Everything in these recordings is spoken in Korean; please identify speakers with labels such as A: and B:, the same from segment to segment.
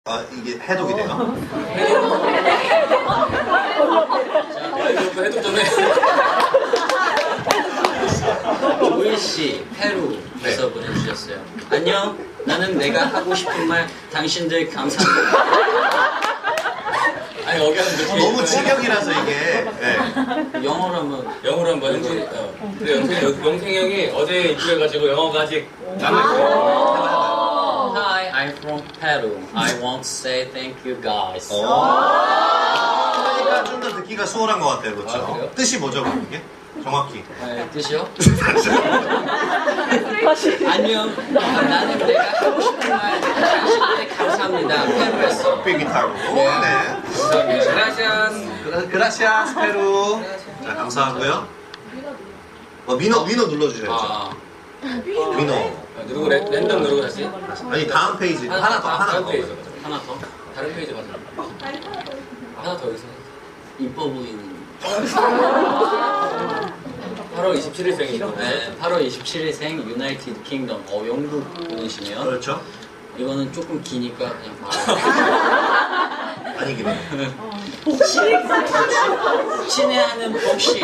A: 아, 이게 해독이 돼요?
B: 해독 좀 해.
C: 조일씨 페루에서
A: 네.
C: 보내주셨어요. 안녕, 나는 내가 하고 싶은 말 당신들 감사합니다.
B: 아니 여기 하면 이렇게
A: 너무 직역이라서 이게. 네.
C: 영어로 한번.
B: 영어로 한번 영생 그래 영생 형이 어제 입주해가지고 영어가 아직 남아있어요.
C: Hi, I'm from Peru. I want to say thank you guys.
A: 그러니까 좀 더 듣기가 수월한 것 같아요, 그렇죠?
B: 아, 그래요?
A: 뜻이 뭐죠, 그게? 정확히.
C: 뜻이요? 안녕, 나는 내가 하고 싶은 말 당신들 감사합니다. 페루에서.
A: 기타로. 네.
B: 감사합니다. 그라시아스.
A: 그라시아스 페루. 자, 감사하고요. 위너 눌러주셔야죠.
C: 아,
A: 위너.
B: 누르고 랜덤 누르고 다시.
A: 아니, 다음 페이지. 하나 더.
B: 다른 페이지.
C: 하나 더.
B: 다른 페이지 가자. 하나 더 여기서.
C: 이뻐 보이는.
B: 8월 27일생이시죠?
C: 네, 8월 27일생 유나이티드 킹덤. 영국 분이시네요.
A: 그렇죠?
C: 이거는 조금 기니까 그냥 바로.
A: 아니긴 해.
C: 친애하는 복식.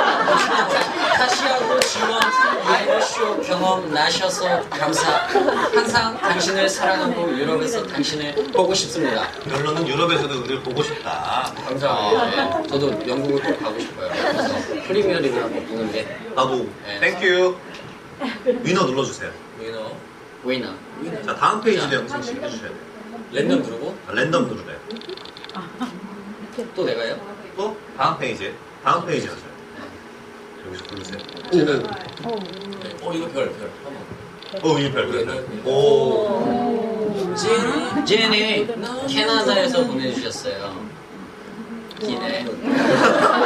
C: 카시하고 지원 라이브쇼 경험 나셔서 감사. 항상 당신을 사랑하고 유럽에서 당신을 보고 싶습니다.
A: 결론은 유럽에서도 우리를 보고 싶다.
B: 감사합니다.
C: 네. 저도 영국을 꼭 가고 싶어요. 그래서 프리미어리그 한번 보는 게
A: 나도.
C: 네.
A: 땡큐. 위너 눌러주세요.
B: 위너.
C: 위너.
A: 자, 다음 페이지도 영상씩 해주셔야 돼요.
B: 랜덤 누르고.
A: 랜덤 누르래요.
C: 또 내가요?
A: 또 다음 페이지 하세요. 여기서 누르세요.
B: 제가. 이거 별. 한번.
A: 이별. 오.
C: 제니 캐나다에서 보내주셨어요. 기네.